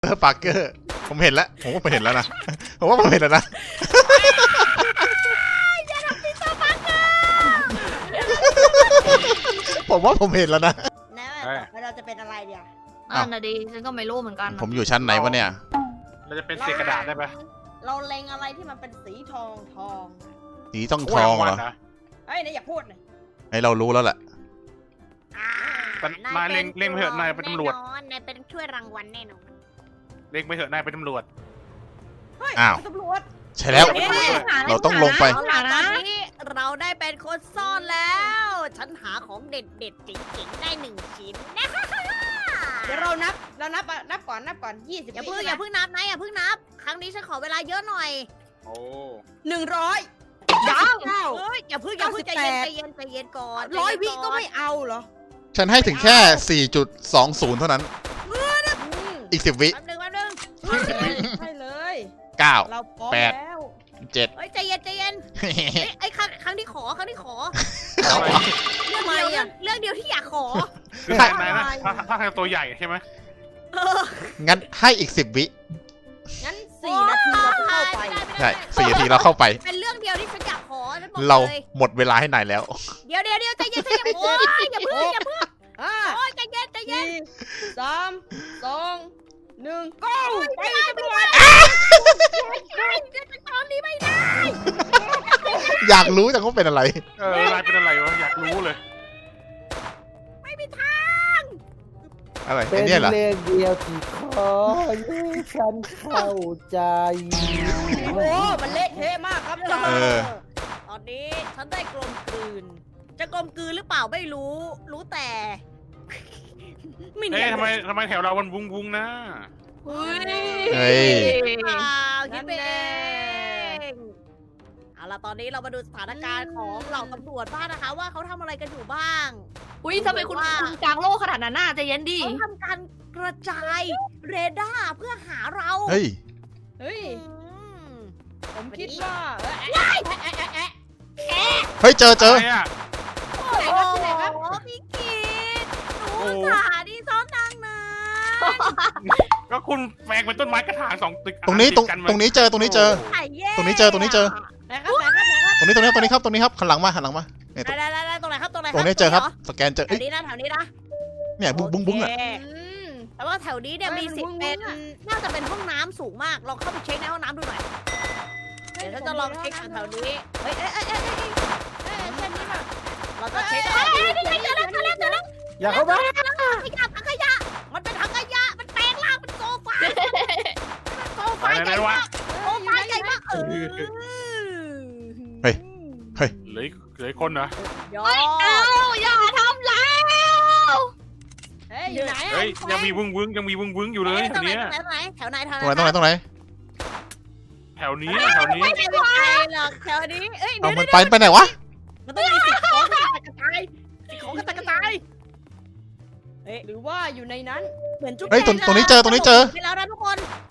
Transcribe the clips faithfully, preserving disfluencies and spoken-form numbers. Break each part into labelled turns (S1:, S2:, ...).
S1: เออปาร์เกอร์ผมเห็นแล้วผมว่าผมเห็นแล้วนะผมว่าผมเห็นแล้วนะผมว่าผมเห็นแล้วนะ
S2: แล้วเราจะเป็นอะไรเดียว
S3: นั่นน่ะดิฉันก็ไม่รู้เหมือนกัน
S1: ผมอยู่ชั้นไหนวะเนี่ย
S4: เราจะเป็นเศษกระดาษได้ปะ
S2: เราเล็งอะไรที่มันเป็นสีทองทอง
S1: สีต้องทองเหรอ
S2: เฮ้ยนายอย่าพูดเลย
S1: ให้เรารู้แล้วแหละ
S4: มาเล็งเล็งไปเถอะนายเป็นตำรวจ
S2: นายเป็นช่วยรางวัลแน่นอน
S4: เล็งไปเถอะนายเป็นตำรวจ
S2: เฮ้ยตำรวจ
S1: ใช่แล้วเราต้องลงไป
S2: ตอนนี้เราได้เป็นคนซ่อนแล้วฉันหาของเด็ดเด็ดๆจริงๆได้หนึ่งชิ้นเดี๋ยวเรานับเรานับนับก่อนนับก่อนยี่สิบอย่าเพิ่งอย่าเพิ่งนับนะอย่าเพิ่งนับครั้งนี้ฉันขอเวลาเยอะหน่อย
S4: โอ้
S2: หนึ่งร้อยยังเฮ้ยอย่าเพิ่งอย่าเพิ่งใจเย็นใจเย็นใจเย็นก่อนร้อยวิก็ไม่เอาเหรอ
S1: ฉันให้ถึงแค่ สี่จุดสองศูนย์ เท่านั้นอีกสิบวิ
S2: แป๊บนึงแป๊บนึงใช่เลย
S1: เก้า
S2: เราพร้อม
S1: แปด
S2: แล้ว
S1: เจ็ด
S2: เฮ้ยใจเย็นใจเย็นไอ้ครั้งครั้งที่ขอครั้งที่ขอ
S4: ทำไม
S2: เรื่องเดียวเรื่องเดียวที่อยากขอ
S4: คือนายนายนะถ้าถ้าทางตัวใหญ่ใช่ไหม
S1: งั้นให้อีกสิบวิ
S2: งั้นสี่นาทีเราเข้าไป
S1: ใช่สี่นาทีเราเข้าไป
S2: เป็นเรื่องเดียวที่ฉันอยากขอฉันบอก
S1: เรา
S2: เลย
S1: หมดเวลาให้นายแล้ว
S2: เดี๋ยวเดี๋ยวเดี๋ยวใจเย็นใจเย็นโอ้ยอย่าเพิ่งอย่าเพิ่งโอ้ยใจเย็นใจเย็นสามสองหนึ่งก้าวไปตำรวจตอนนี้ไม่ได้
S1: อยากรู้จังว่าเป็นอะไร
S4: เออนายเป็นอะไรวะอยากรู้เลย
S2: ไม่มีทาง
S1: อะไร
S5: เป็
S1: ไอ้
S5: น
S1: เนี่ยเหรอ
S5: เรื่องเดียวที่ขอให้ฉันเข้าใจ
S2: โอ้มันเละเทะมากครับ
S1: เออ
S2: ตอนนี้ฉันได้กลมกลืน จะกลมกลืนหรือเปล่าไม่รู้ รู้แต่ ไม่
S4: เอ๊ะ
S2: เนียน
S4: ทำไมทำไมแถวเรามันวุ้งวุ้งนะ
S3: เฮ้ย
S1: เฮ้ย
S2: เปล่าคิดเองเอาล่ะตอนนี้เรามาดูสถานการณ์ของเหล่าตำรวจบ้างนะคะ ว่าเขาทำอะไรกันอยู่บ้าง
S3: อุ้ยทำไมคุณคุณกลางโลกขนาดนั้นน่ะใจเย็นดิ
S2: เขาทำการกระจายเรดาร์เพื่อหาเรา
S1: เฮ้ย
S2: เฮ้ย
S6: ผมคิดว่า
S1: เฮ้ยเจอเจอ
S4: อะไรอะ
S2: โอ้โหพี่กิตหนูสาดีซ้อนนางนะ
S4: ก็คุณแฝงเป็นต้นไม้กระถางสองตึก
S1: ตรงนี้ตรง
S4: ติดกั
S1: ตรงนี้เจอตรงนี้เจอ
S2: ไข่แย่
S1: ตรงนี้เจอตรงนี้เจอ
S2: ไหนครับไหนครับไหนครับ
S1: ตรงนี้ตรงนี้ตรงนี้ครับตรงนี้ครับหันหลังมาหันหลังมาเนี่ย
S2: ได้ได้ได้ตรงไหนครับตรงไหน
S1: ตรงนี้เจอครับสแกนเจอ
S2: แถ
S1: เอ้ยว
S2: นี้นะแถวนี้นะ
S1: เนี่ยบุ้งบุ้งบุ้งอ่ะ
S2: โเคแต่ว่าแถวนี้เนี่ยมีสิทธิ์เป็นน่าจะเป็นห้องน้ำสูงมากลองเข้าไปเช็คในห้องน้ำดูหน่อยเดี๋ยวฉันจะลองเช็คแถวนี้เฮ้ยเอ้ยเอ้ยเอ้ยเอ้ยเช่นนี้ค่ะเราจะเช็คเอ้ยนี่ไงเจอแล้วเจอแล้วเจอแล้ว
S5: อย่าเข้ามา
S2: ขยะถังขยะมันเป็นถังขยะมันแปลงร่างเป็นโซฟาโซฟา
S4: อะไร
S2: ใหญ่
S4: นะวะ
S2: มากโซฟาใหญ่มากเออ
S1: เฮ้ย
S4: เหลือเหลือคนเหรอย
S2: อ
S3: เอ้า
S2: ด
S3: อย่าทำแล้ว
S2: เฮ้ยอยู่ไหน
S4: เฮ้ยยังมีวุ้งวุ้งยังมีวุ้งวุ้งอยู่เลย
S2: ต
S4: แถ
S2: รง
S4: ว
S2: ไหน
S4: เนี้ย
S2: ตรงไหนแถวไหนแถว
S1: ตรงไหน
S2: ไหน
S1: ตรงไหนตรงไหน
S4: แถวนี้แถวนี้
S2: ไม่ได้ไม่ไปหรอกแถวนี้เอ้ย
S1: เอา
S2: เดี๋ยว
S1: มันไปไปไหนวะ
S2: มันต้องมีสิ่งของกระจายกระจายสิ่งของกระจายกระจายเอ๊ะ
S6: หรือว่าอยู่ในนั้น
S2: เหมือนจุ๊บ
S1: เฮ้ยตรงตรงนี้เจอตรงนี้เจอ
S2: ไปแล้วนะทุกคน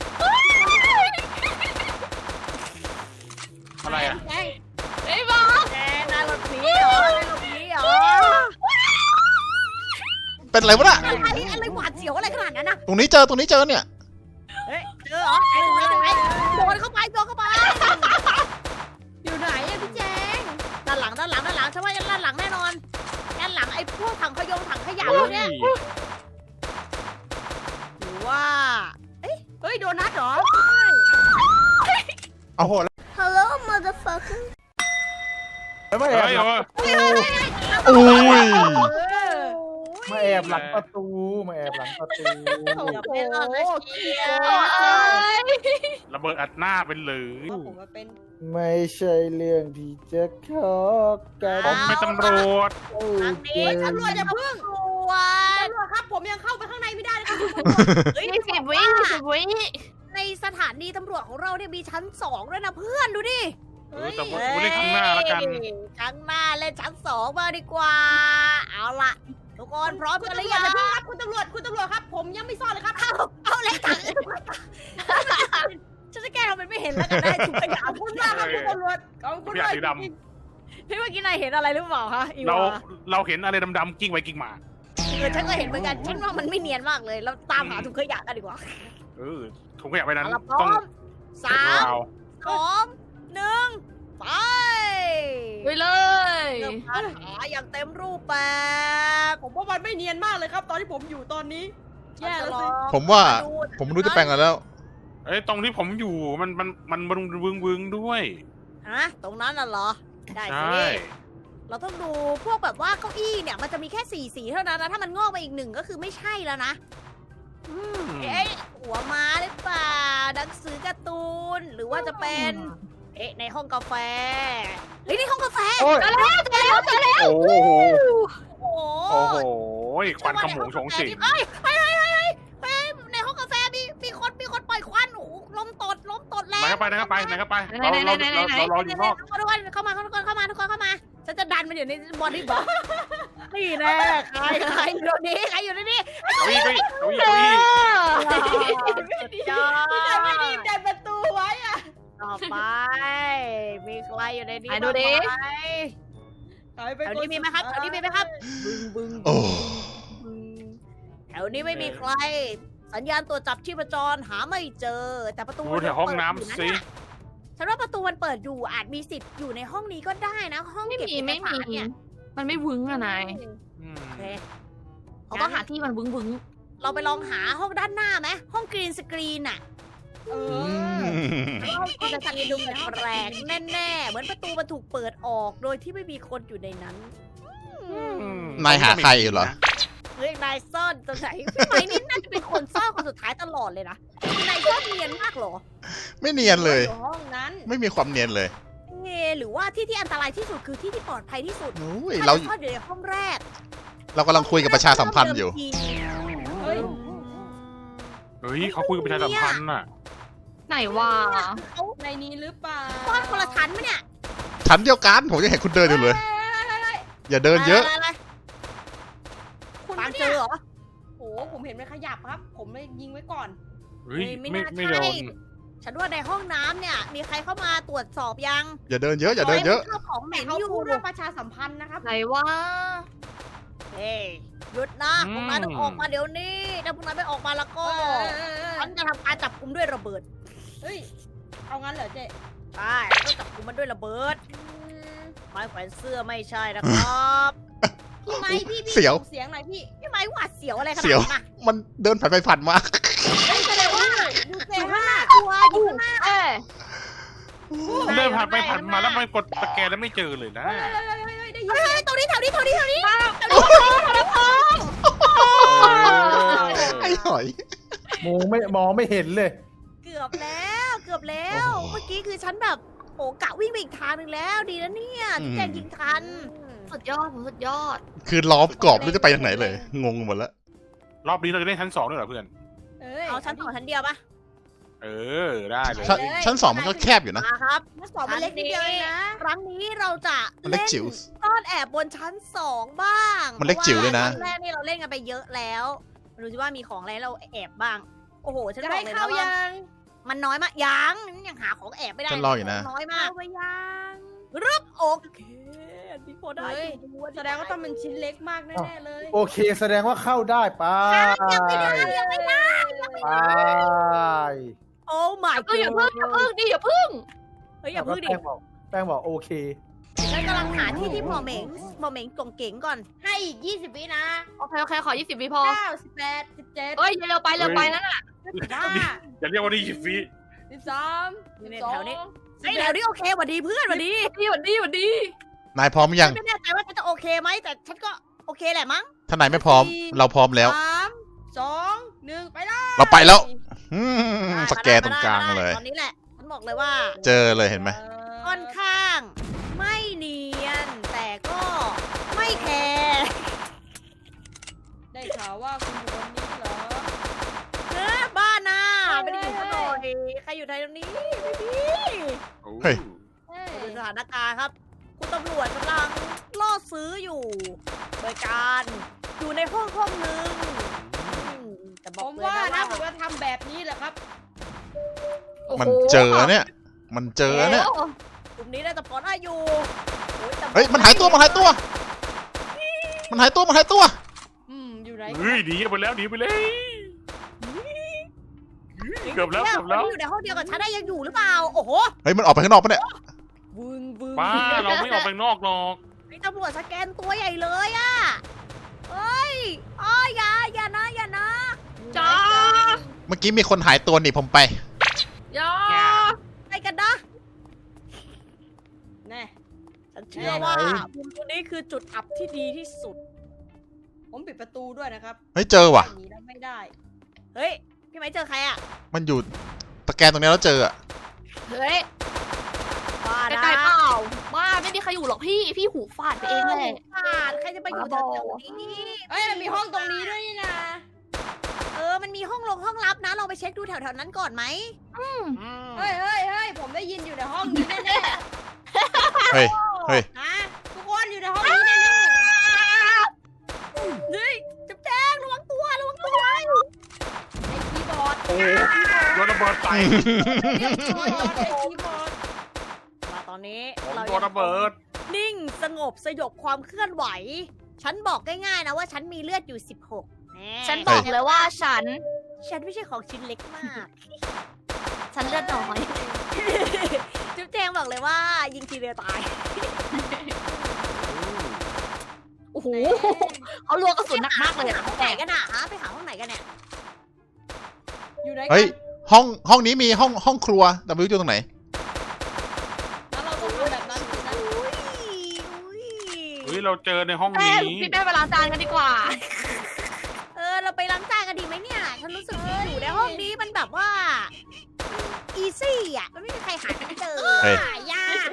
S4: อะไรอะ
S2: แจง
S3: ไอ้บ้า
S2: แจงนายหลบหนีเหรอนายหลบหนีเหรอ
S1: เป็นอะไรวะน่ะ
S2: อะไรอะไรหวาดเสียวอะไรขนาดนั้นนะ
S1: ตรงนี้เจอตรงนี้เจอเนี่ย
S2: เฮ้ยเจอเหรอไอ้ตรงไหนตรงไหนโดนเข้าไปโดนเข้าไป
S6: อยู่ไหนอะพี่แจง
S2: ด้านหลังด้านหลังด้านหลังฉันว่าด้านหลังแน่นอนด้านหลังไอ้พวกถังขยงถังขยะพวกเนี้ย หรือว่า
S6: เฮ้ยโดนัทเหรอ
S1: เอาโห
S2: Hello motherfucker
S5: ไม่แอ
S4: เฮ้
S5: บ
S4: ย
S5: หลัง
S1: อุ้ย
S5: มาแอบหลังประตูมาแอบหลังประตู
S2: เกือบไม่รอดนะเชีย
S3: เอ้ย
S4: ระเบิดอัดหน้าเป็นหรือ
S6: ผมมาเป็น
S5: ไม่ใช่เรื่องที่จะขอกัน
S4: ผมเป็นตำรวจ
S5: โอ้
S2: ทาง
S5: เจ
S2: นี้
S5: น
S2: ตำรวจจะพึ่งตำรวจ
S6: ตำรวจครับผมยังเข้าไปข้างในไม่ได้เลยครับ
S2: เฮ้ย
S3: ยี่สิบวิยี่สิบวิ
S2: ในสถานีตำรวจของเราเนี่ยมีชั้นสองด้วยนะเพื่อนดูดิ
S4: เออแต่ว่ากูเล่นข้างหน้าแล้วกัน
S2: ข้างหน้าเล่นชั้นสองมาดีกว่า เอาล่ะ ทุกคนพร้อม
S6: คุณ
S2: กันหรื
S6: ตำร
S2: อ
S6: วจ
S2: ยัง
S6: นะพี่ครับคุณตำรวจคุณตำรวจครับ ผมยังไม่ซ่อนเลยครับ
S2: เอาเอาเลยถังฉันจะแก้ทำเป็นไม่เห็นแล้วกันได้ถุงขยะ
S6: ขอบคุณมากครับคุณตำรวจขอบคุณ
S4: พี่
S6: มาก
S4: สีด
S2: พี่เมื่อกี้นายเห็นอะไรหรือเปล่าฮะอี
S4: ำเรา
S2: วา
S4: เราเห็นอะไรดำๆกิ้งไปกิ้งมา
S2: เออฉันก็เห็นเหมือนกันฉันว่ามันไม่เนียนมากเลย เราตามหาถุงขยะกันดีกว่า
S4: เเออถุงขยะไปนั้น
S2: เอาละพร้
S4: ต้
S2: อ
S4: อง
S2: มสาม
S4: เอา
S2: สองหนึ่งไป
S3: ไปเลย
S2: เริ่มการหาอย่างเต็มรูปแบบ
S6: ผมว่ามันไม่เนียนมากเลยครับ ตอนที่ผมอยู่ตอนนี้ แย่แล้วสิ
S1: ผมว่า ผมรู้จะแปลงกันแล้ว
S4: เอ้ยตรงที่ผมอยู่มันมันมันมันวึงวึงๆด้วย
S2: ฮะตรงนั้นน่ะเหรอ ได้
S4: ใช
S2: สิ
S4: ่
S2: เราต้องดูพวกแบบว่าเก้าอี้เนี่ยมันจะมีแค่สี่สีเท่านั้นนะถ้ามันงอกไปอีกหนึ่งก็คือไม่ใช่แล้วนะ เอ๊ะหัวม้าหรือเปล่าหนังสือการ์ตูนหรือว่าจะเป็น เอ๊ะในห้องกาแฟเฮ้ยในห้องกาแฟ
S5: โอ้ย
S3: เจอแล้วเจอแล้วเจอแล้ว
S5: โอ้โห
S2: โอ้โห
S4: โอ้โหควันขโมงโฉงฉิง
S2: เฮ้ยเฮ้ยเฮ้ยเฮ้ยเฮ้ยเฮ้ยในห้องกาแฟมีมีคนมีคนปล่อยควันโอ้โหลมตดลมตดแล้
S4: ไหน
S2: ว
S4: เข้าไปไหนเข้าไปไหนเข้าไปเราเราเราเรารออยู่นอก
S2: เข้ามาทุกคนเข้ามาทุกคนเข้ามาทุกคนเข้ามาฉันจะดันมันอยู่ในบอดี้บล็อกนี่แน่ใครใครอยู่ในนี้ใครอยู่ในนี้
S4: เก้าอี้เก้าอี้เก้าอี้เก้าอี้
S2: จ้า
S6: พี่นายไม่รีบดันประตูไว้อะ
S2: ต่อไป มีใครอยู่ในนี้
S3: ไหนดูดิ
S2: บ้างไหม
S6: หายไป
S2: แถวนี้มีไหมครับแถวนี้มีไหมครับ บึ้งบึ้ง
S1: โอ้
S2: บึ้งแถวนี้ไม่มีใคร สัญญาณตัวจับชีพจรหาไม่เจอ แต่ประตู
S4: ดูแถวห้องน้ำสิ
S2: ฉันว่าประตูมันเปิดอยู่อาจมีสิทธิ์อยู่ในห้องนี้ก็ได้นะ ห้อง
S3: ไม่
S2: เก็บ
S3: มี
S2: เอก
S3: ไม่
S2: สา
S3: มี
S2: รเนี่ย
S3: มันไม่วึ้งอะนาย
S4: อืม
S2: โอเค
S3: เขาต้องหาที่มันวึ้งวึ้ง
S2: เราไปลองหาห้องด้านหน้าไหมห้องกรีนสกรีนอะ
S6: เอ
S1: อื
S6: อ
S1: ม
S2: ห้องจะมีดูแปลกๆแน่ๆเหมือนประตูมันถูกเปิดออกโดยที่ไม่มีคนอยู่ในนั้น
S1: นายหาใครอยู่เหรอ
S2: เฮ้ยนายซ่อนตรงไหนพี่ไม้นี่น่าจะเป็นคนซ่อนคนสุดท้ายตลอดเลยนะนายซ่อนเนียนมากเหรอ
S1: ไม่เนียนเลย
S6: อยู่ห้องนั้น
S1: ไม่มีความเนียนเลย
S2: เอหรือว่าที่ที่อันตรายที่สุดคือที่ที่ปลอดภัยที่สุด
S1: โอ้ย
S2: ถ้า
S1: เรา
S2: เราซ่อนอยู่ในห้องแรก
S1: เรากำลังคุยกับประชาสัมพันธ์อยู่
S6: เฮ้ย
S4: เฮ้ยเขาคุยกับประชาสัมพันธ์น่ะ
S3: ไหนวะ
S6: ในนี้หรือเปล่า
S2: ซ่อนคนละชั้นไหมเนี่ย
S1: ชั้นเดียวกัน ผมยังเห็นคุณเดินอยู่เลย อย่าเดินเยอะ
S2: อะไร
S6: คุณ
S2: ๆตาม
S6: ปะ
S2: เจ
S6: เนี่ย
S2: อเหรอ
S6: โอ้โหผมเห็นมันขยับครับ ผมเลยยิงไว้ก่อน
S4: เฮ้ย
S2: ไม่
S4: ไม่
S2: น่า
S4: ไม่
S2: ใช่
S4: โดน
S2: ฉันว่าในห้องน้ำเนี่ย มีใครเข้ามาตรวจสอบยัง
S1: อย่าเดินเยอะ อย่าเดินเยอะ
S2: ข้าวของเห
S6: แต่
S2: ม็น
S6: เขา
S2: อยู่
S6: พูดเรื่องประชาสัมพันธ์นะครับ
S3: ไหนวะ
S2: เฮ้ยหยุดนะพวกนายต้องออกมาเดี๋ยวนี้ถ้าพวกนายไม่ออกมาแล้วก็
S6: เออเออเออ
S2: ฉันจะทำการจับกุมด้วยระเบิด
S6: เฮ้ย เอางั้นเหรอเจ๊
S2: ใช่ต้องจับกุมมันด้วยระเบิด ไม้แขวนเสื้อไม่ใช่นะครับ
S6: พี่ไม้พี่พี่
S1: เสียว
S6: ส่งเสียงหน่อยพี่
S2: พี่ไม้หวาดเสียวอะไรขนาด
S1: เสียว
S2: นั้นอะ
S1: มันเดินผ่านไปผ่านมา
S6: เฮ้ยแสดงว่าดู
S2: อ
S6: เสียง
S2: ยู่ข้างห
S6: ว่า
S2: น้าตัวอยู่ข้างหน้า
S3: เอ้ย
S4: เดินผ่านไปผ่านมาแล้วมันกดสแกนแล้วไม่เจอเลยนะ
S6: เฮ้ยเฮ้ยเฮ้ยเฮ้ยได้ยิน
S2: เฮ้ยเฮ้ยตรงนี้แถวนี้แถวนี้แถวนี้
S1: ไอ้หอย
S5: มองไม่มองไม่เห็นเลย
S2: เกือบแล้วเกือบแล้ว เมื่อกี้คือฉันแบบโอ้กะวิ่งไปอีกทางหนึ่งแล้วดีนะเนี่ยที่แจงยิงทัน
S3: สุดยอดผมสุดยอด
S1: คือล้อมกรอบไม่รู้จะไปทางไหนเลย งงหมดแล้ว
S4: รอบนี้เราจะเล่นชั้นสองด้วยเหรอเพื่อน
S6: เอ้ย
S2: เอาชั้นสองชั้นเดียวปะ
S4: เออได้เลย
S1: ชั้นชั้นสองมันก็แคบอยู่นะ
S2: มาครับ
S6: ชั้นสองมันเล็กนิดเดียวเองนะ
S2: ครั้งนี้เราจะ
S1: มันเล็ก
S2: เล่น
S1: จิ๋ว
S2: ซ่อนแอบบนชั้นสองบ้าง
S1: มันเล็กจิ๋วเลยนะ
S2: พราว่าชั้นแรกนี่เราเล่นกันไปเยอะแล้วดูสิว่ามีของอะไรให้เราแอบบ้าง โอ้โหฉัน
S6: จะ
S2: บอ
S6: ได้
S2: กเลย
S6: เข้า
S2: นะว่า
S6: ยัง
S2: มันน้อยมากยังยังหาของแอบไม่ได้
S1: ฉันรออยู่นะ
S2: น้อยมาก
S6: เข้าไปยัง
S2: รึบโอเคอันนี้พอได้
S6: เฮ้ย
S2: อยู่อันนี้
S6: แสดงว่าต้องเป็นชิ้นเล็กมากแน่ๆเลย
S5: โอเค แสดงว่าเข้าได้ไป
S2: ยังไม่ได้ยังไม่ได้
S5: ไป
S2: โอ้ my
S3: ก็อย่า
S2: god
S3: พึ่งอย่าพึ่งดิอย่าพึ่ง
S2: เฮ้ยอย่าพึ่งดิ
S5: แป้งบอกแป้งบอกโอเค
S2: ฉันกำลังหาที่ที่หมอเหม็งหมอเหม็งกงเก๋งก่อน
S6: ให้อีกยี่สิบวินะ
S3: โอเคโอเคขอยี่สิบวิพอ
S6: เก้าสิบแปดสิบเจ็ด
S3: เอ้ยเร็วไปเร็วไปนั่นน่ะ
S6: สิบห้า
S4: อย่าเรียกว่านี่ยิบฟี
S6: สิบสาม
S2: นี่
S6: สิ
S2: ใน
S6: บสอง
S2: แถวนี้ เฮ้ยแถวนี้โอเคหวัดดีเพื่อนหวัดดี
S3: ดีหวัดดีหวัดดี
S1: นายพร้อมยัง
S2: ฉันไม่แน่ใจว่าฉันจะโอเคไหมแต่ฉันก็โอเคแหละมั้ง
S1: ถ้านายไม่พร้อม เราพร้อมแล้ว
S6: สามสองหนึ่งไปเลย
S1: เราไปแล้ว อืม
S2: ได้
S1: สแกนตรงกลาง
S2: ได้
S1: เลย
S2: ตอนนี้แหละฉันบอกเลยว่า
S1: เจอเลยเห็นไหม
S2: ค่อนข้าง ไม่เนียน แต่ก็ไม่แคร์
S6: ได้ข่าวว่าคุณอยู่ตรงนี้เหรอ
S2: เนื้อบ้านน่ะ
S6: เฮ้ย
S2: ไม่ได้อยู่ข้างนอกดิใครอยู่ไทยตรงนี้ไม่มี
S1: เฮ้ย
S6: เฮ้ย
S2: ดูสถานการณ์ครับ คุณตำรวจกำลังล่อซื้ออยู่ โดยการอยู่ในห้องห้องหนึ่งอืมแต่บ
S6: ผ
S2: อก
S6: ม
S2: เลย
S6: ว่า
S2: นะ
S6: นะ
S2: ว่า
S6: ผมจะทำแบบนี้แหละครับ
S1: มันเจอเนี่ย มันเจอเนี่ย
S3: โอ้
S2: กลุ่มนี้น่าจะพอได้อยู่โอ้แต่
S1: เฮ้ย มันหายตัว มันหายตัว มันหายตัว มันหายตัว
S6: อืมอยู่ไหน
S4: เฮ้ยหนีไปแล้วหนีไปเลยเกือบแล้วเกือบแล้ว
S2: คนที่อยู่ในห้องเดียวกับฉันได้ยังอยู่หรือเปล่า โอ้โห
S1: เฮ้ยมันออกไปข้างนอกปะเนี่ย
S2: วึงวึง
S4: บ้าเราไม่ออกไปนอกหรอก
S2: ไอ้ตำรวจสแกนตัวใหญ่เลยอะเฮ้ยอ้ออย่าอย่านะอย่านะ
S3: จ้า
S1: เมื่อกี้มีคนหายตัวหนีผมไป
S3: อย่า
S2: ไปกันนะ
S6: แน่
S2: ฉันเชื่อว่ามุมตัวนี้คือจุดอับที่ดีที่สุด
S6: ผมปิดประตูด้วยนะครับ
S1: เฮ้ยเจอว่ะ
S6: หนีแล้วไม่ได้
S2: เฮ้ย พี่ไม้เจอใครอะ
S1: มันอยู่ตะแกรงตรงนี้แล้วเจออะ
S3: เฮ้ย
S2: บ้า
S3: ไก
S2: นะ
S3: ลๆเปล่าบ้าไม่มีใครอยู่หรอกพี่ พี่หูฟาดไปเองแหละ
S2: บ้าใครจะไปอยู่แถวๆนี้
S6: เอ้ยมันมีห้องตรงนี้ด้วยนี่นะ
S2: เออ มันมีห้องลงห้องลับนะ ลองไปเช็คดูแถวๆนั้นก่อนไหม
S4: อืม
S6: เฮ้ยเฮ้ยเฮ้ยผมได้ยินอยู่ในห้องนี้แน่
S1: เฮ้ย เฮ้ย
S6: ๆนะทุกคนอยู่ในห้องนี้แน่
S2: เฮ้ยจับแจ้งระวังตัวระวังตัว
S6: ๆไอ้คีย์บอร์ด
S4: โอ้โดนระเบิดใส่
S6: เรียบร้อยไอ้คีย์บอร์ด
S2: มาตอนนี้
S4: ผม
S2: เรา
S4: โดนระเบิด
S2: นิ่งสงบสยบความเคลื่อนไหว ฉันบอกง่ายๆนะว่าฉันมีเลือดอยู่สิบหกแ
S3: ฉันบอกเลยว่าฉัน
S2: ฉันไม่ใช่ของชิ้นเล็กมาก
S3: ฉันเลือดน้อย
S2: จุ๊บแจงบอกเลยว่า ยิงทีเดียวตาย
S3: โอ้โหเขาลวงกระสุนหนักมากเลย
S2: ไป
S3: อะ
S2: หาห้องไหนกันอะฮะไปหาห้องไหนกันเนี่ย
S6: อยู่ไหนกั
S1: เฮ้ย
S6: น
S1: ห้องห้องนี้มีห้องห้องครัวแต่ไม่รู้อยู่ตรงไหน
S6: แล้วเราต้องทำแบบนั้นสินะ
S2: อุ้ยอุ้ย
S4: เฮ้ยเราเจอในห้อง
S3: แป้
S4: นี้
S3: งพี่แป้งไปล้างจานกันดีกว่า
S2: เออเราไปล้างจานกันดีไหมเนี่ย ฉันรู้สึกอยู่ในห้องนี้มันแบบว่าอีซี่อ่ะ มันไม่มีใครหากันเจอ
S1: เฮ้ย
S2: หายาก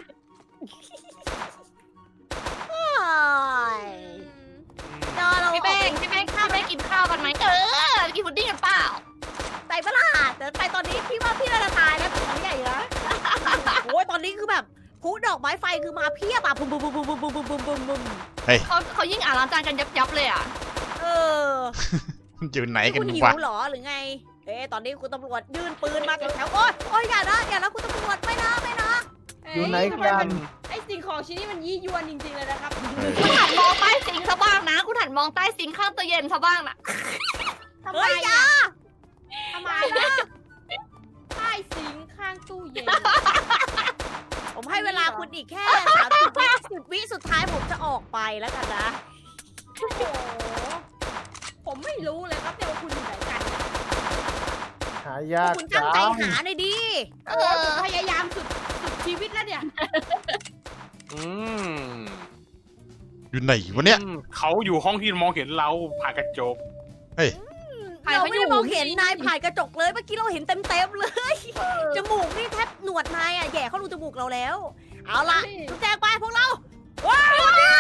S2: โอ้ยจอเรา
S3: พี่แป้งพี่แป้งข้าวแป้งกินข้าวกันไหมเออกินพุดดิ้งกันเปล่า
S2: ไปปะล่ะแต่ไปตอนนี้พี่ว่าพี่น่าจะตายแล้วของใหญ่นะโอ้ยตอนนี้คือแบบพุดอกไม้ไฟคือมาเพียบอ่ะบุ้มบุ้มบุ้มบุ้มบุ้มบุ้มบุ้มบุ้มบุ้มบุ้ม
S3: เขาเขายิ่งอ่านล้างจานกันยับยับเลยอ่ะ
S2: เออ
S1: อยู่ไหนกัน
S2: คุณหิ
S1: วะ
S2: วเหรอหรือไง เอ๊ะตอนนี้คุณตำรวจยื่นปืนมาแถวๆโอ๊ยโอ๊ยอย่านะอย่านะคุณตำรวจไม่นะไม่นะ
S5: อยู่ไหน
S6: ทำม
S5: กั
S6: มัน ไอสิ่งของชิ้นนี้มันยี่ยวนจริงๆเลยนะครับ
S3: คุณหันมองใต้ซิงค์ซะบ้างนะ คุณหันมองใต้ซิงค์ข้างตู้เย็นซะบ้างนะ
S6: ทำไม
S2: เฮ้ยอย่า
S6: อะ
S2: ทำไมนะ
S6: ใต้ซิงค์ข้างตู้เย็น
S2: ผมให้เวลาคุณอีกแค่สามสิบวิสิบวิสุดท้ายผมจะออกไปแล้วกันนะ
S6: โอ้โห ผมไม่รู้เลยครับเนี่ยว่าคุณอยู่ไหนกันเนี่ย
S5: หายาก
S2: คุณตั้งใจ
S5: จัง
S2: หาหน่อยดิ
S6: เออผมพยายามสุดสุดชีวิตแล้วเนี่ย
S4: อืม
S1: อยู่ไหนวะเนี่ย
S4: อืมเขาอยู่ห้องที่มองเห็นเราผ่านกระจก
S2: เราไม่ได้มองเห็นนายผ่านกระจกเลยเมื่อกี้เราเห็นเต็มๆเลย จมูกนี่แทบหนวดนายอ่ะแย่เข้ารูจมูกเราแล้ว เอาล่ะจุ๊บแจงไปพวกเราว้าว
S4: บอกเลย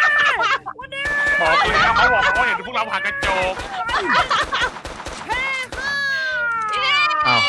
S4: นะเขาบอกเขาเห็นพวกเราผ่านกระจก
S1: อ้าว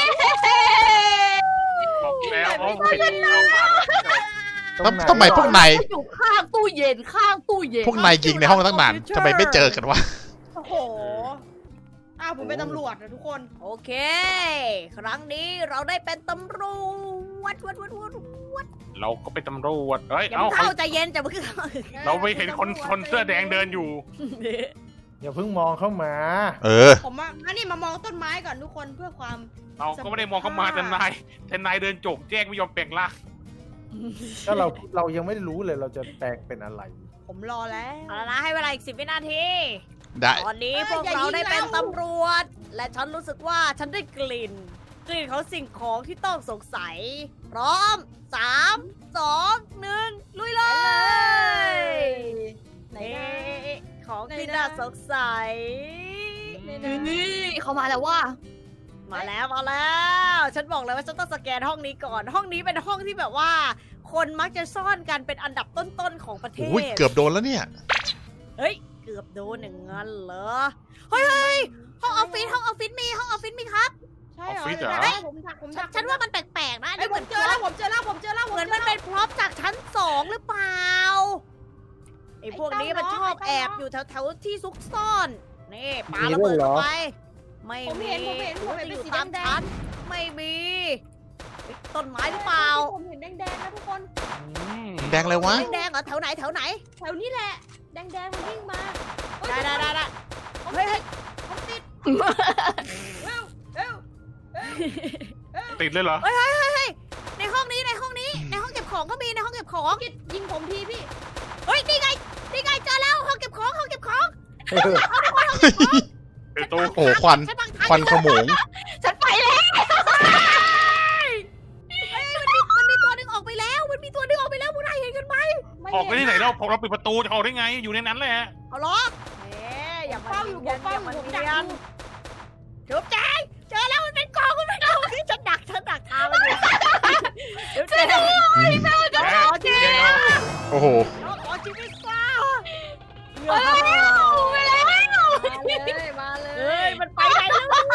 S4: บอกแล้วเขาเห็นเราผ่านกระจก
S5: ตรงไหน
S1: ทำไมพวกนาย
S3: อยู่ข้างตู้เย็นข้างตู้เย็น
S1: พวกนายยิงในห้องตั้งนานทำไมไม่เจอกันวะ
S2: โอ้โห
S6: อ้าวผมเป็นตำรวจนะทุกคน
S2: โอเค ครั้งนี้เราได้เป็นตำรวจวัดวัดวัดวัด
S4: เราก็เป็นตำรวจเฮ้ย
S2: อย่า
S4: เอ้า
S2: เพิ่ง
S4: เขา
S2: เข้าใจเย็นจะเพิ่งเข้า
S4: เราไปเห็นคนคนเสื้อแดงเดินอยู่
S5: อย่าเพิ่งมองเข้ามา
S1: เออ
S6: ผมมาอันนี้มามองต้นไม้ก่อนทุกคนเพื่อความ
S4: เราก็ไม่ได้มองเข้ามาแต่นายแต่นายเดินจกแจ้งไม่ยอมแปลงร่าง
S5: ก็เราเรายังไม่รู้เลยเราจะแปลงเป็นอะไร
S6: ผมรอแล้ว
S2: เอาละนะให้เวลาอีกสิบวินาที
S1: ได้
S2: ตอนนี้พวกเราได้เป็นตำรวจ และฉันรู้สึกว่าฉันได้กลิ่น กลิ่นของสิ่งของที่ต้องสงสัย พร้อมสามสองหนึ่งลุยเลย
S6: ไหน
S2: เอ๊
S6: นะ
S2: ะของที่น่าสงสัย
S6: ไหนนะ
S3: นี่เขามาแล้วว่า
S2: มาแล้วมาแล้ว ฉันบอกเลยว่าฉันต้องสแกนห้องนี้ก่อน ห้องนี้เป็นห้องที่แบบว่า คนมักจะซ่อนกันเป็นอันดับต้นๆของประเท
S1: โอ้ย
S2: ศ
S1: เกือบโดนแล้วเนี่ย
S2: เฮ้ย เกือบโดนอย่างนั้นเหรอ เฮ้ยเฮ้ยห้องออฟฟิศห้องออฟฟิศมีห้องออฟฟิศมีครับ
S6: ใช่เหรอ
S4: ออฟฟิศเหรอ
S6: เดี๋ยวนะผมดักผม
S2: ฉั
S6: ดั
S2: น
S6: ก
S2: ฉันว่ามันแปลกๆนะ
S6: ไอ้ยผมเจอแล้วผมเจอแล้วผมเจอแล้วผ
S2: เหมือน
S6: จ
S2: มัน
S6: แล้ว
S2: เป็นพร็อพจากชั้นสองหรือเปล่าไอ้พวกนี้มันชอบแอบอยู่แถวๆที่ซุกซ่อน นี่ปาระเบิดเข้าไป ไม่
S6: ผม
S2: มี
S6: เห็นผมเห็นผมเห็น
S2: จะ
S6: เป็
S2: อน ยู่
S6: สี
S2: ตาม
S6: แด
S2: ชั้
S6: ง
S2: นไม่มีเฮ้ยต้นไม้หรือเปล่า
S6: ผมเห็นแดงๆนะทุกคน
S4: อืม
S1: แดงเลยวะ
S2: แดงๆเหรอแถวไหนแถวไหน
S6: แถวนี้แหละ แดงๆมันวิ่งมาเฮ้ย
S2: ได้ได้ได้ได้
S6: ผม
S2: เฮ้ยเฮ้ย
S6: ผมติดเร็วเร็วเร็ว
S4: ติดเลยเหรอ
S2: เฮ้ยเฮ้ยเฮ้ยเฮ้ยในห้องนี้ในห้องนี้ในห้องเก็บของก็มีในห้องเก็บของ
S6: กิดยิงผมทีพี่
S2: เฮ้ยนี่ไงนี่ไงเจอแล้วห้องเก็บของห้องเก็บของ
S4: เป็นตู้
S1: โอ้โหควัน
S2: ใช่บังทาง
S1: ควันขโมง
S3: ฉันไปแล้ว
S2: เฮ้ยมันมีมันมีตัวหนึงออกไปแล้วมันมีตัวหนึงออกไปแล้วพวกนายเห็นกันไหม
S4: ออกไปที่ไหนเราพอเราปิดประตูจะออกได้ไง อยู่ในนั้นแหละ
S2: เอาล้อเอ๊ะอย่ามา
S6: เฝ้าอยู่ผมเฝ้าอยู่ผม
S2: เนี
S6: ดัก
S2: ยน
S6: อยู่
S2: เดี๋ยวแจ้งเจอแล้วมันเป็นกองมันเป็นกองที่ฉันดักฉันดักทางมันอยู่เดี๋ยวแจ้ง
S4: แก
S2: ขอชีวิต
S4: แก
S1: โอ้โห
S2: ขอชีวิตซะ
S3: เอ้ยไปแล้ว
S6: มาเลยมาเล
S2: เฮ้
S6: ย
S2: ยมันไปไหนแล้ววะ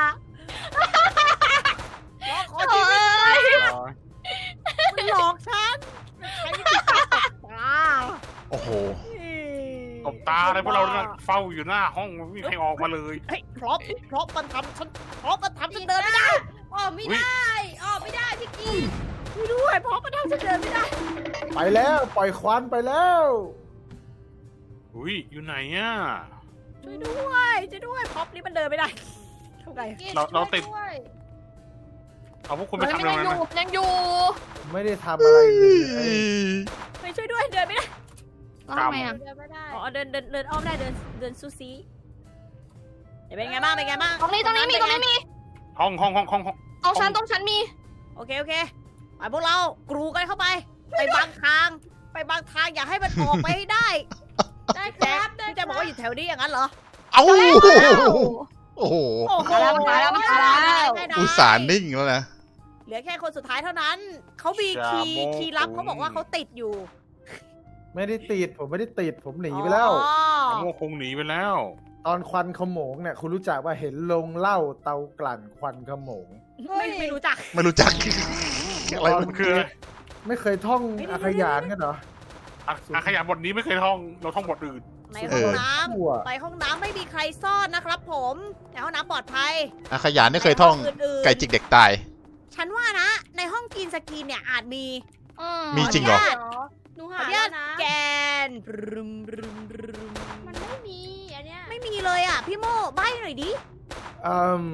S2: ขอชีวิตซะมันหลอกฉันใช้วิธีการตบตา
S1: โอ้โห
S4: ตบตาอะไรพวกเราเนี่ยเฝ้าอยู่หน้าห้องไม่มีใครออกมาเลย
S2: เฮ้ยเพราะเพราะมันทำฉันเพราะมันทำฉันเดินไม่ได้
S6: ออกไม่ได้ออกไม่ได้พี่กี
S2: ช่วยด้วยเพราะมันทำฉันเดินไม่ได้
S5: ไปแล้วปล่อยควันไปแล้ว
S4: อุ้ยอยู่ไหนอ่ะ
S2: ช่วยด้วยช่วยด้วยเพราะนี่มันเดินไม่ได้ทำไง
S4: เราเราติด
S6: ช่วย
S4: เอาพวกคุณไป
S3: มัน
S4: ทำอะไร
S3: ยัง
S4: นั้น
S3: อยู่
S4: นะ
S3: ยังอยู่
S5: ไม่ได้ทำอะไรเลย
S2: ไปช่วยด้วยเดินไม่ได้
S3: แล้วทำไมอ่ะ
S6: เดินไม่ได้
S2: อ๋อเดินเดินเดินอ้อมได้เดินเดินซูซีเดี๋ยวเป็นไงบ้างเป็นไงบ้าง
S3: ตรงนี้ตรงนี้มีตรงนี้มี
S4: ห้องห้องห้องห้องห้อง
S3: ตรงฉันตรงฉันมี
S2: โอเคโอเคไปพวกเรากรูกันเข้าไป ไปบางทาง ไปบางทางอย่าให้มันออกไปให้ได้
S6: ได้ค
S2: แจ๊
S6: รั
S2: ค
S6: บได้
S2: พี่แจะบอกว่าอยู่แถวนี้อย่างนั้นเหรอ
S1: เอ้า
S3: แล้ว
S1: โอ้โห
S2: โอ้โห
S3: มาแล้วมาแล้วมาแล้ว
S2: ได้ได้
S1: อุตส่าห์นิ่งแล้วนะ
S2: เหลือแค่คนสุดท้ายเท่านั้น เขามีคีย์คีย์ลับเขาบอกว่าเขาติดอยู่
S5: ไม่ได้ติดผมไม่ได้ติดผมหนีไปแล้ว
S2: อ๋อ
S4: ไอ้โม่คงหนีไปแล้ว
S5: ตอนควันขโมงเนี่ยคุณรู้จักว่าเห็นลงเหล้าเตากลั่นควันขโมง
S2: ไม่ไม่รู้จัก
S1: ไม่รู้จัก อะไร
S4: มันคืออะไร
S5: ไม่เคยท่อง
S2: เฮ้ย
S5: อาขยานกันเหรอ
S4: อ่ะอ่ะขยะบทนี้ไม่เคยท่อง เราท่องบทอื่น
S2: ในห้องน้
S5: ทั่ว
S2: ำไปห้องน้ำไม่มีใครซ่อนนะครับผมในห้องน้ำปลอดภัย
S1: อาขยานไม่เคยท่อง
S2: ในห้อื่นๆ
S1: ไก่จิกเด็กตาย
S2: ฉันว่านะ ในห้องกินสกีนเนี่ยอาจมี
S3: อืม
S1: มีจริงเหรอ
S6: หนู
S2: ขอ
S6: หา
S2: อนุ
S6: แล้
S2: ญาว ต
S6: นะ
S2: แกนบรึมบรึมบรึม
S6: มันไม่มีอันเนี้ย
S2: ไม่มีเลยอ่ะ พี่โมใบ้หน่อยดิ
S5: อืม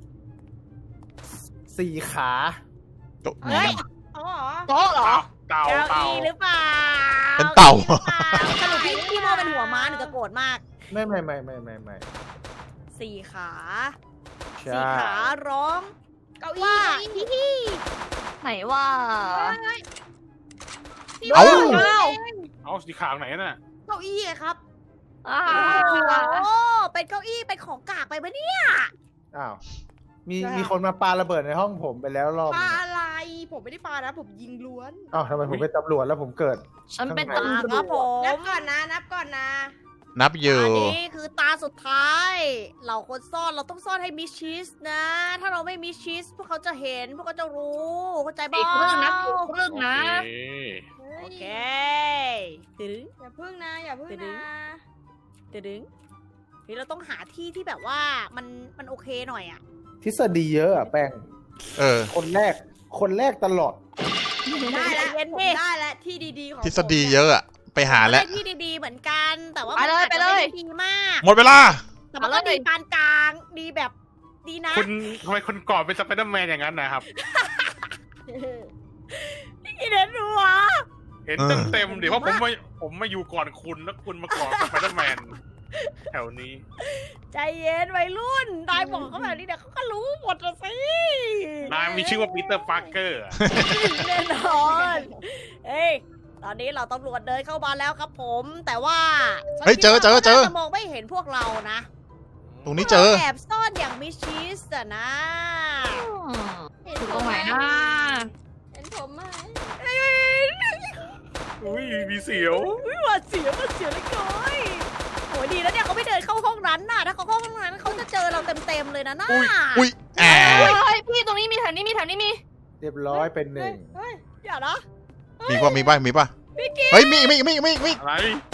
S5: สี่ขา
S2: เฮ้ย
S6: อ๋อเหรอ
S3: โต๊ะเหรอ
S4: เต่า
S2: เก้า
S4: เต่า
S2: อี้หรือเปล่า
S1: เป็นเต่า
S2: ก้อี้หรือเปล่าสรุปพี่พี่โมเป็นหัวม้าหนูจะโกรธมาก
S5: ไม่ไม่ไม่ไม่ไม่ไม่
S2: สี่ขา
S5: ใช่
S2: สี่ขาร้อง
S6: เก้าอี้
S2: ว่า
S6: เก้าอี้
S2: ฮิฮิ
S3: ไหนว่า
S1: เอ้า
S3: เก้า
S4: เอาสีขาวไหนน่ะ
S2: เก้าอี้ไงครับ
S3: อ่า
S2: โอ้เป็นเก้าอี้เป็นของกากไปปะเนี่ย
S5: อ้าวมี
S2: ใช่
S5: มีคนมาปาระเบิดในห้องผมไปแล้วรอบ
S6: ปลา
S5: นึง
S6: อะไร ผมไม่ได้ปลานะ ผมยิงล้วน
S5: อ้าวทำไมผมเป็นตำรวจแล้วผมเกิด
S3: ฉันเป็น
S5: ข้างใน
S3: ตำร
S2: คว รับ
S3: จ
S2: ผม
S6: นับก่อนนะ นับก่อนนะ
S1: นับอยู่
S2: อันนี้คือตาสุดท้าย เราคนซ่อนเราต้องซ่อนให้มิดชิสนะ ถ้าเราไม่มิดชิสพวกเขาจะเห็นพวกเขาจะรู้เข้าใจบ้
S3: อีกครึ่งนะอีกครึ่งนะ
S4: โอเค
S6: เฮ้ย
S2: โอเคตึง
S6: อย่าพึ่งนะ อย่าพึ่ง
S2: ไปดึ
S6: นะ
S2: ง ตึงเฮ้ยเราต้องหาที่ที่แบบว่ามันมันโอเคหน่อยอ่ะ
S5: ทฤษฎีเยอะอะแป้ง
S1: เออ
S5: คนแรก คนแรกตลอด
S6: ได้แล้ว
S2: เย็น
S6: ผม
S2: ดิ
S6: ได้แล้วที่ดีๆของ
S1: ทฤษฎีเยอะอะไปหาแล้ว
S2: ได้ที่ดีๆเหมือนกัน แต่ว่า
S3: ไปเลย
S2: มันอาจจะ
S3: ไปเลย
S2: ม่ด้ดีมาก
S1: หมดเวลา
S2: แต่มันก็
S3: ไปเลย
S2: ดีปานกลางดีแบบดีนะ
S4: คุณทำไมคุณกอดเป็นสไปเดอร์แมนอย่างนั้นนะครับ
S2: อีเดนหัว
S4: เห็นเต็มเต็มๆเดี๋ยวว่าผมมาผมมาอยู่ก่อนคุณแล้วคุณมากอดสไปเดอร์แมนแถวนี้
S2: ใจเย็นวัยรุ่นนายบอกเขาแบบนี้เดี๋ยวเขาก็รู้หมดละสิ
S4: นายมีชื่อว่าปีเตอร์ปาร์เกอร์
S2: แน่นอนเฮ้ยตอนนี้เราตำรวจเดินเข้ามาแล้วครับผม แต่ว่าฉัน
S1: เฮ้ยเจอ
S2: คิด
S1: เจอ
S2: ว่า
S1: เจอ
S2: ขาน่าจะมองไม่เห็นพวกเรานะ
S1: ตรงนี้เจอ
S2: แอบซ่อนอย่างมิดชิสอะนะ
S3: อืมอยู่ตรงไหนนะ
S6: เห็นผมไหม
S4: อุ้ยมีเสียว
S2: อุ้ยหวาดเสียวหวาดเสียวเลยก้อยโหดีแล้วเนี่ยเขาไม่เดินเข้าห้องนั้นน่ะ ถ้าเขาเข้าห้องนั้นเขาจะเจอเราเต็มๆเลยนะน่า
S1: อุ้ย อุ้ยแอ
S3: เฮ้ย
S1: บ
S3: เฮ้ยพี่ตรงนี้มีแถวนี้มีแถวนี้มี
S5: เรียบร้อยเป็นหนึ่ง
S6: เฮ้ย
S2: อย่านะ
S1: มีป่ะมีป่ะมีป่ะเฮ้ย มีมีมีมีมี
S4: อะไร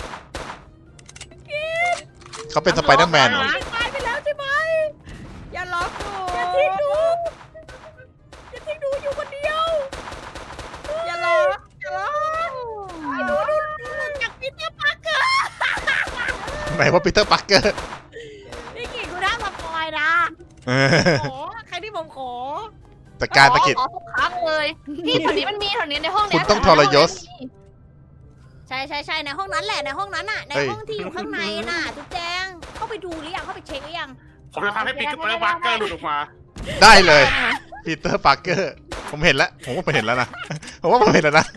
S1: เขาเป็นสไปเดอร์แมนเหรอ
S2: ตายไปแล้วใช่ไหม
S6: อย่าล็อกหนู
S2: อย่าทิ้งหนูอย่าทิ้งหนูอยู่คนเดียว
S6: อย่าล็อกอย่าล็อก
S2: ไอ้หนูหนูหนูหลุดจากปีเตอร์ปาร์เกอร์
S1: ไหนว่าปีเตอร์ปักเกอร์
S2: นี่กี่กูได้มาปล่อยนะ
S1: เออ
S2: ขอใครที่ผมขอ
S1: แต่การตะกิด
S3: ขอทุกครั้งเลยพี่แถวนี้มันมีแถวนี้ในห้องเนี้
S1: คุณต้องทรยศ
S2: ใช่ใช่ใช่ในห้องนั้นแหละในห้องนั้นน่ะใน
S1: เฮ้ย
S2: ห้องที่อยู่ข้างในน่ะจุ๊บแจงเข้าไปดูหรือยังเข้าไปเช็คหรือยัง
S4: ผมจะทำให้ปีเตอร์ปาร์เกอร์หลุดออกมา
S1: ได้เลยปีเตอร์ปาร์เกอร์ผมเห็นแล้วผมว่าผมเห็นแล้วนะผมว่าผมเห็นแล้วนะ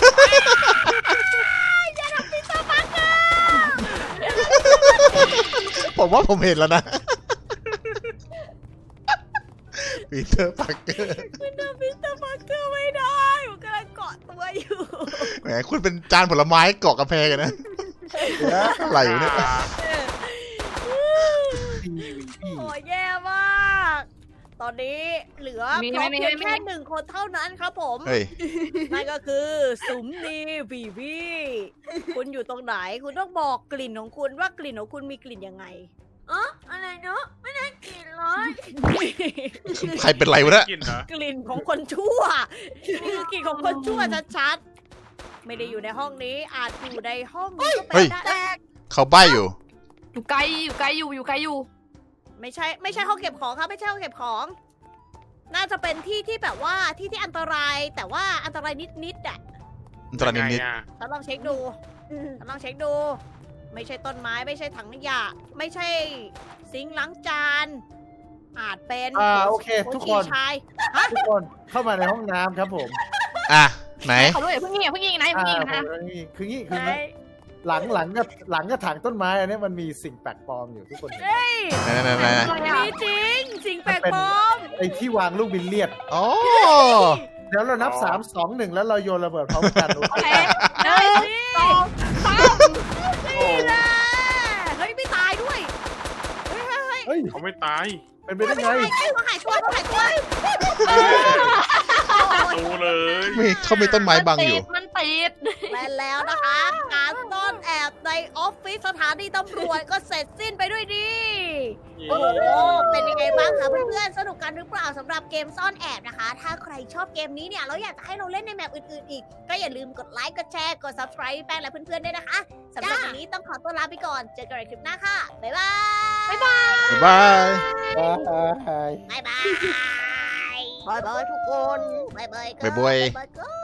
S1: ผมว่าผมเห็นแล้วนะปีเตอร์ปาร์เกอร์
S2: มันทำพิสเตอร์ปาร์เกอร์ไม่ได้มันกำลังเกาะตัวอยู่
S1: แหมคุณเป็นจานผลไม้เกาะกระแพงกันนะอะไรอยู่เนี่ย
S2: โอ้ยแย่มาก ตอนนี้เหลือ
S3: มี
S2: พ
S3: ไหม
S2: ร้อม
S3: มี
S2: เพียง
S3: ไหม
S2: แค่หนึ่งคนเท่านั้นครับผม
S1: เฮ้ย
S2: นั่นก็คือสุมนีบีบีคุณอยู่ตรงไหน คุณต้องบอกกลิ่นของคุณว่ากลิ่นของคุณมีกลิ่นยังไง
S6: อ๋ออะไรเนาะไม่ได้กินเลย
S1: ใครเป็นไรวะเนี่ย
S4: กินเหรอก
S2: ลิ่นของคนชั่วนี่คือกลิ่นของคนชั่วชัดๆไม่ได้อยู่ในห้องนี้อาจอยู่ในห้องนี้ก็เป็นได้
S1: เขาใบ้อยู่
S3: อยู่ไกลอยู่ไกลอยู่อยู่ไกลอยู่
S2: ไม่ใช่ไม่ใช่ห้องเก็บของครับไม่ใช่ห้องเก็บของ น่าจะเป็นที่ที่แบบว่าที่ที่อันตรายแต่ว่าอันตรายนิดๆอ่ะ
S1: อันตรายนิด
S4: ไงอะ
S2: ฉันลองเช็คดูฉันลองเช็คดู ไม่ใช่ต้นไม้ไม่ใช่ถังขยะไม่ใช่ซิงค์ล้างจานอาจเป็น
S5: อ่าโอเค ทุกคน
S2: ชาย
S5: ทุกคนเข้ามาในห้องน้ำครับผม
S1: ๆอ่ะไหน
S3: เขาด้วยอย่าเพิ่งยิงอย่าเพิ่งยิงนะอย่าเพิ่งยิง
S5: อ่า
S3: นะ
S5: ผมนี่คืองี้คือ
S2: ไหน
S5: งี้หลังหลังกับหลังกับถางต้นไม้อันนี้มันมีสิ่งแปลกปลอมอยู่ทุกคนเห็นไหม
S2: เฮ้ย
S1: ไหนไหนไหน
S2: มีจริง สิ่งแปลกปลอม
S5: ไอ้ที่วางลูกบิลเลียด
S1: อ๋อ
S5: เดี๋ยวเรานับสามสองหนึ่งแล้วเราโยนระเบิดพร้อมกัน
S3: โอเคหนึ่งสองสาม
S4: โอ้
S2: นี่แหละเฮ้ยไม่ตายด้วยเฮ้ยเฮ้ยเฮ้ย
S5: เฮ้ย
S4: เขาไม่ตาย
S5: เป็นไปได้ไง
S2: เฮ้ยเขาหายตัวเขาหายตัว
S4: ดูเลย
S1: มีเขามีต้นไม้บังอยู่
S3: มันติด
S2: และแล้วนะคะ การซ่อนแอบในออฟฟิศสถานีตำรวจก็เสร็จสิ้นไปด้วยดี โอ้โห เป็นยังไงบ้างคะเพื่อนๆ สนุกกันหรือเปล่าสำหรับเกมซ่อนแอบนะคะ ถ้าใครชอบเกมนี้เนี่ยแล้วอยากจะให้เราเล่นในแมปอื่นๆอีก ก็อย่าลืมกดไลค์ กดแชร์ กด subscribe แป้งและเพื่อนๆด้วยนะคะสำหรับวันนี้ต้องขอตัวลาไปก่อน เจอกันในคลิปหน้าค่ะ บ๊ายบาย บ๊ายบาย
S1: บ๊ายบาย
S2: บ๊ายบาย บ๊ายบายทุกคน บ๊ายบาย
S1: บ๊ายบาย
S2: บ๊ายบาย